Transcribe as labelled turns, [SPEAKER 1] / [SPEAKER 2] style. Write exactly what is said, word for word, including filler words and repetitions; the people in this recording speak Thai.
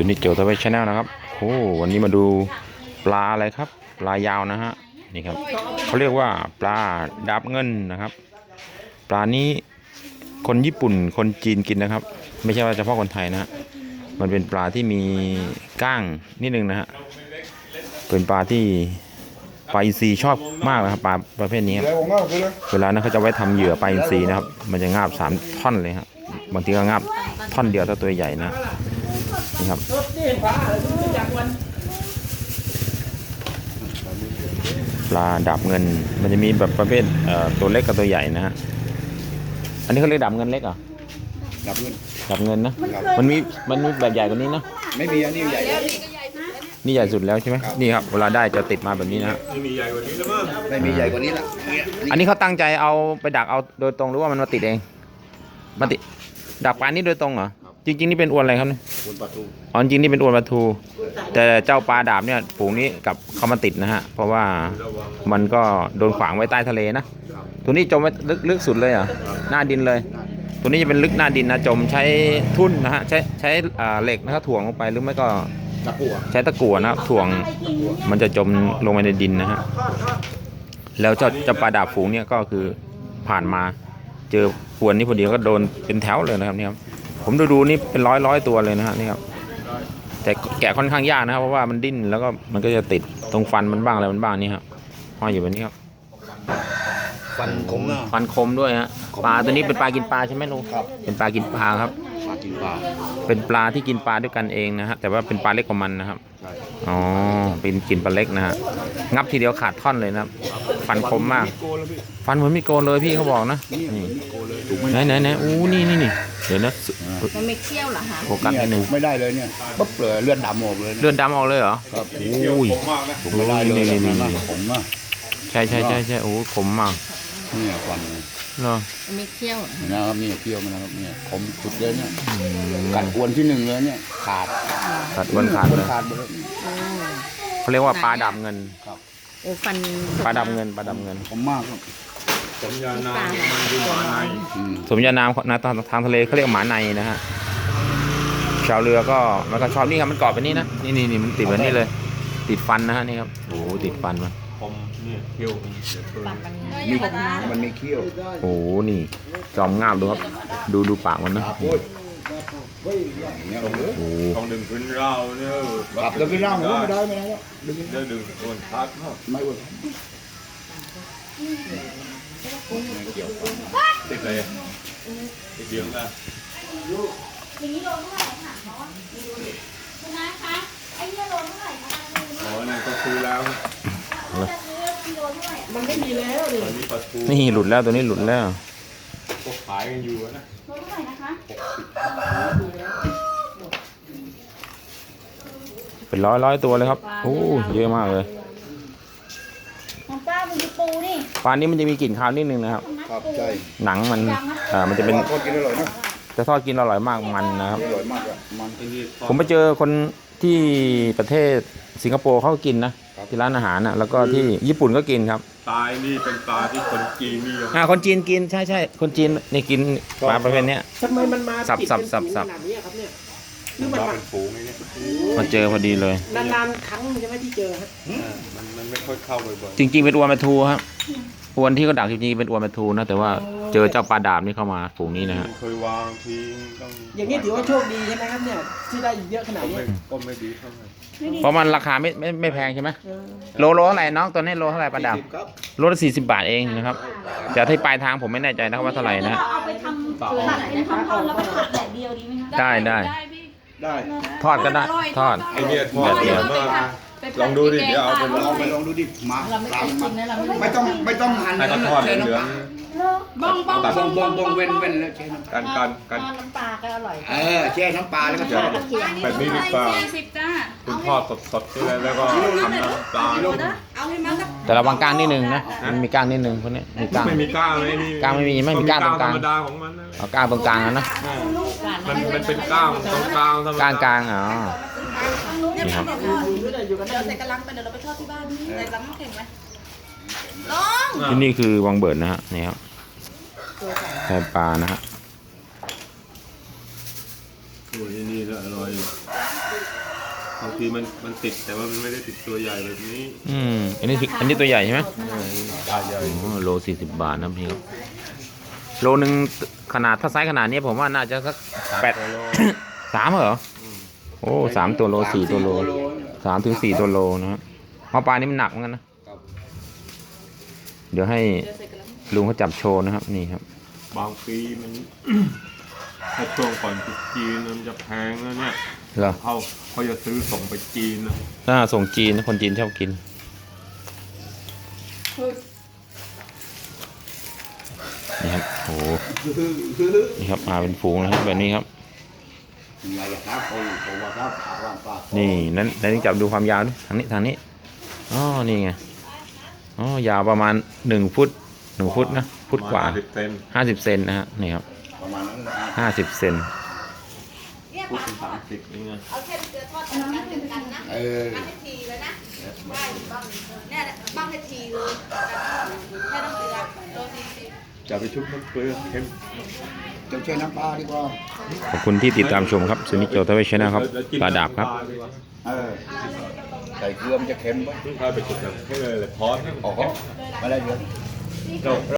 [SPEAKER 1] นิโจทวีชแนลนะครับโอ้วันนี้มาดูปลาอะไรครับปลายาวนะฮะนี่ครับเขาเรียกว่าปลาดาบเงินนะครับปลานี้คนญี่ปุ่นคนจีนกินนะครับไม่ใช่ว่าเฉพาะคนไทยนะฮะมันเป็นปลาที่มีก้างนิดนึงนะฮะเป็นปลาที่ปลาอินทรีชอบมากนะครับปลาประเภทนี้เวลานั้นเขาจะไว้ทำเหยื่อปลาอินทรีนะครับมันจะงาบสามท่อนเลยครับบางทีก็งาบท่อนเดียวถ้าตัวใหญ่นะนี่ครับปลาดาบเงินมันจะมีแบบประเภทตัวเล็กกับตัวใหญ่นะฮะอันนี้เขาเรียกดาบเงินเล็กเหรอ
[SPEAKER 2] ดาบเงิน
[SPEAKER 1] ดาบเงินนะมันมีมันมีแบบใหญ่กว่านี้นะ
[SPEAKER 2] ไม่มีอันนี้ใหญ่
[SPEAKER 1] นี่ใหญ่สุดแล้วใช่ไหมนี่ครับเวลาได้จะติดมาแบบนี้นะ
[SPEAKER 2] ไม่มีใหญ่กว่านี้แล้วมั้งไม่มีใหญ่กว่านี้ละ
[SPEAKER 1] อันนี้เขาตั้งใจเอาไปดักเอาโดยตรงหรือว่ามันมาติดเองมาติดดักปลานี้โดยตรงเหรอจริงๆนี่เป็นอวนอะไรครับเนี่ย
[SPEAKER 2] อวนปลาทู
[SPEAKER 1] อ๋อจริงนี่เป็นอวนปลาทูแต่เจ้าปลาดาบเนี่ยฝูงนี้กับเขามาติดนะฮะเพราะว่ามันก็โดนขวางไว้ใต้ทะเลนะตัวนี้จมไว้ลึกลึกสุดเลยเหรอหน้าดินเลยตัวนี้จะเป็นลึกหน้าดินนะจมใช้ทุ่นนะฮะใช้ใช้เหล็กนะครับถ่วงลงไปหรือไม่ก็
[SPEAKER 2] ตะกั่ว
[SPEAKER 1] ใช้ตะกั่วนะครับถ่วงมันจะจมลงไปในดินนะฮะแล้วเจ้าเจ้าปลาดาบฝูงเนี่ยก็คือผ่านมาเจอพวนนี้พอดีก็โดนเป็นแถวเลยนะครับนี่ครับผมดูดูนี่เป็นร้อยร้อยตัวเลยนะฮะนี่ครับแต่แกะค่อนข้างยากนะครับเพราะว่ามันดิ้นแล้วก็มันก็จะติดตรงฟันมันบ้างอะไรมันบ้างนี่ครับห้อยอยู่แบบนี้ครับ
[SPEAKER 2] ฟันคมนะ
[SPEAKER 1] ฟันคมด้วยฮะปลาตัวนี้เป็นปลากินปลาใช่ไหมลุง
[SPEAKER 2] ครับ
[SPEAKER 1] เป็นปลากินปลาครับ
[SPEAKER 2] ปลากินปลา
[SPEAKER 1] เป็นปลาที่กินปลาด้วยกันเองนะฮะแต่ว่าเป็นปลาเล็กกว่ามันนะครับอ๋อเป็นกินปลาเล็กนะฮะงับทีเดียวขาดท่อนเลยนะครับฟันคมมากฟันเหมือนมีโกนเลยพี่เขาบอกนะนี่ไหนไหนไหนอู้นี่นี่นี่เดี๋ยวนะ
[SPEAKER 3] มันไม่เคี้ยวเหรอฮะ
[SPEAKER 1] โฟกัสนิดนึง
[SPEAKER 2] ไม่ได้เลยเนี่ยปุ๊บเลยเลือดดำออกเลย
[SPEAKER 1] เลือดดำออกเลยเหรอ
[SPEAKER 2] ครับ
[SPEAKER 1] โอ้ย
[SPEAKER 2] ไม่ได้เลยนี่นี่ผมอ่ะ
[SPEAKER 1] ใช่ใช่ใช่ใช่โอ้ขมมาก
[SPEAKER 2] เนี่ยฟัน
[SPEAKER 1] เหรอ
[SPEAKER 3] ไม่เคี้ยว
[SPEAKER 2] นะครับนี่เคี้ยวมันนะครับเนี่ยขมสุดเลยเนี่ยกัดอวนที่หนึ่งเลยเนี่ยขาด
[SPEAKER 1] กัดอวนขาดเลยเขาเรียกว่าปลาดำเงิน
[SPEAKER 2] ครับ
[SPEAKER 3] โอ้ฟัน
[SPEAKER 1] ปลาดำเงินปลาดำเงิน
[SPEAKER 2] ขมมากครับ
[SPEAKER 4] สมญานามมันคือหมาใน
[SPEAKER 1] สมญานามนะทางทะเลเขาเรียกหมาในนะฮะชาวเรือก็มันก็ชอบนี่ครับมันเกาะไปนี่นะนี่นี่นี่มันติดแบบนี้เลยติดฟันนะฮะนี่ครับโอ้ติดฟันมัน
[SPEAKER 4] ผมเนี่ยเขี้ยว
[SPEAKER 2] มีมันมีเขี้ยว
[SPEAKER 1] โอ้นี่จอมงามดูครับดูดูปากมันนะโอ้
[SPEAKER 4] ต้องดึงขึ้นเราเนี่ย
[SPEAKER 2] ขับดึงขึ้นเราไม่ได้ไม่ได้ดึง
[SPEAKER 4] จะดึงอ้วนพัก
[SPEAKER 2] ไม่อ้วน
[SPEAKER 4] ติดเลยติดเดียวกัน
[SPEAKER 5] อย่างนี้โลเท่าไหร่ค่ะคุณน้าคะไอ้เนี่ยโลเท่าไหร่คะ
[SPEAKER 4] อ๋อเนี่ยก็ซื้อแล้ว
[SPEAKER 3] มันไม่มีแล้วเลย
[SPEAKER 1] นี่หลุดแล้วตัวนี้หลุดแล้ว
[SPEAKER 4] ก็ขายกันอยู่นะ
[SPEAKER 5] โลเท่าไหร่นะคะ
[SPEAKER 1] เป็นร้อยร้อยตัวเลยครับโอ้เยอะมากเลย
[SPEAKER 5] ของป้าเป็นปูนี่
[SPEAKER 1] ปลานี้มันจะมีกลิ่นคาวนิดนึงนะครับ
[SPEAKER 2] ครับใช่
[SPEAKER 1] หนังมันอ่ามันจะเป็น
[SPEAKER 2] ทอดกินอร่อยนะ
[SPEAKER 1] จะทอดกินอร่อยมากมันนะครับ
[SPEAKER 2] อร่อยมากอ่ะมัน
[SPEAKER 1] ผมไปเจอคนที่ประเทศสิงคโปร์เขากินนะที่ร้านอาหารนะแล้วก็ที่ญี่ปุ่นก็กินครับ
[SPEAKER 4] ปลานี่เป็นปลาที่คนจีนนิยม
[SPEAKER 1] อ่าคนจีนกินใช่ใช่คนจีนนี่กินปลาประเภทนี้
[SPEAKER 3] ทำไมมันมา
[SPEAKER 1] สับสับสับสับ
[SPEAKER 4] หรือมันเป็นฝูงนี่
[SPEAKER 1] มาเจอพอดีเลย
[SPEAKER 3] นานๆครั้งใช่ไหมที่เจอฮะ
[SPEAKER 4] มันมันไม่ค่อยเข้าบ่อย
[SPEAKER 1] ๆจริงๆเป็นอวนปลาทูครับอวนที่เขาดักจริงๆเป็นอวนปลาทูนะแต่ว่าเจอเจ้าปลาดาบนี่เข้ามาฝูงนี้นะฮะ
[SPEAKER 4] เคยวางทิ้งต้อง
[SPEAKER 3] อย่างนี้ถือว่าโชคดีใช่ไหมครับเนี่ยที่ได้เยอะขนาดนี้
[SPEAKER 4] ก็ไม่ดีเท่าไหร่
[SPEAKER 1] เพราะมันราคาไม่ไม่ไม่แพงใช่ไหมโลโลเท่าไหร่น้องตัวนี้โลเท่าไหร่ปลาดาบโลละสี่สิบบาทเองนะครับแต่ที่ปลายทางผมไม่แน่ใจนะครับว่าเท่าไหร่นะ
[SPEAKER 5] เอาไปทำผัดเป็นทำทอดแล้วก็ผัดแดดเดียวดีไหมคะ
[SPEAKER 1] ได้ได้
[SPEAKER 2] ได้
[SPEAKER 1] ทอดก็ได้ทอด
[SPEAKER 4] ไอเดียทอดเดียวลองดูดิเดี๋ยวเอาไปลอง
[SPEAKER 2] ไปลองดูดิมาไม่ต้องไม่ต้องหั่น
[SPEAKER 4] ให้เขาทอดเหลือง
[SPEAKER 5] บ้องบ้อง
[SPEAKER 2] บ้องบ้องบ้องเว้นเว้นแล้วเช่น้ำ
[SPEAKER 4] การการการ
[SPEAKER 3] น้ำปลาก็อร่อย
[SPEAKER 2] เออแช่น้ำปลาแล้วก็ทอด
[SPEAKER 4] แบบนี้ดีกว่าคุณทอดสดๆใช่ไหมแล้วก็ทำน้ำปลา
[SPEAKER 1] แต่ระวังก้างนิดนึงนะมันมีก้างนิดนึงคนนี้มีก้าง
[SPEAKER 4] ไม่มีก้างเลยนี่
[SPEAKER 1] ก้างไม่มีไม่มีก้างตรงกลาง
[SPEAKER 4] ธรรมดาของมัน
[SPEAKER 1] เอาก้างตรงกลางนะ
[SPEAKER 4] มันมันเป็นก้างตรงกลางธรรมดา
[SPEAKER 1] ก้างกลางอ๋อ
[SPEAKER 5] นี่ครับเดี๋ยวใส่กระลังไปเดี๋ยวเราไปทอดที่บ้านใส่กระลังน้ำแข็งไหมลอง
[SPEAKER 1] ที่นี่คือวังเบิร์ดนะฮะนี่ครับแพปลานะฮะ
[SPEAKER 4] ตัวนี้นี่อร่อย
[SPEAKER 6] บางทีมันมันติดแต่ว่ามันไม่ได้ติดตัวใหญ่แบบนี้
[SPEAKER 1] อืมอันนี้อันนี้ตัวใหญ่ใช่ไหม
[SPEAKER 2] ปลาใหญ่
[SPEAKER 1] อ๋อโลสี่สิบบาทนะพี่ครับโลหนึ่งขนาดถ้าไซส์ขนาดนี้ผมว่าน่าจะสักแปด สามเหรอโอ้สามตัวโลสี่ตัวโลสามถึงสี่ตัวโลนะฮะเพราะปลานี้มันหนักเหมือนกันนะเดี๋ยวให้ลุงเขาจับโชว์นะครับนี่ครับ
[SPEAKER 6] บางปีมัน ถ้าช่วงก่อนตรุษจีนมันจะแพงแล้วเนี่ย
[SPEAKER 1] เหรอ
[SPEAKER 6] เขาเขาจะซื้อส่งไปจีนนะ
[SPEAKER 1] ถ้าส่งจีนนะคนจีนชอบกินนี่ครับโอ้โหนี่ครับมาเป็นฝูงนะครับแบบนี้ครับ
[SPEAKER 2] ยังไงล่ะครับโอ้โหว่าครับปลาว่างปลา
[SPEAKER 1] นี่นั้นนั้นจับดูความยาวดิทางนี้ทางนี้อ๋อนี่ไงอ๋อยาวประมาณหนึ่งฟุตหนึ่งฟุตนะฟุตกว่า
[SPEAKER 6] สิบเซน
[SPEAKER 1] ห้าสิบเซนนะฮะนี่ครับ
[SPEAKER 2] ประมาณนั้นนะ
[SPEAKER 1] ห้าสิบเซน
[SPEAKER 6] ฟุตเป็นสามสิบนี่ไง
[SPEAKER 5] เอาแค่เกลือทอดกันกันกันกันนะ
[SPEAKER 2] เออ
[SPEAKER 5] บ้างให้ทีเลยนะได้บ้างเนี่ยบ้างให้ทีเลยแค่น้ำเกลือโลสี่สิบ
[SPEAKER 6] จะไปชุบน้ำเกลือเค็ม
[SPEAKER 2] จะช่วยน้ำปลาดีกว่า
[SPEAKER 1] ขอบคุณที่ติดตามชมครับซูนิโจทวีชนะครับปลาดาบครับ
[SPEAKER 2] เออใส่เกลือมันจะเค็มปะ
[SPEAKER 6] ถ้าไปจุดแบบให้เลยเลยพอส
[SPEAKER 2] อ๋อมาได้เยอะ
[SPEAKER 6] เรา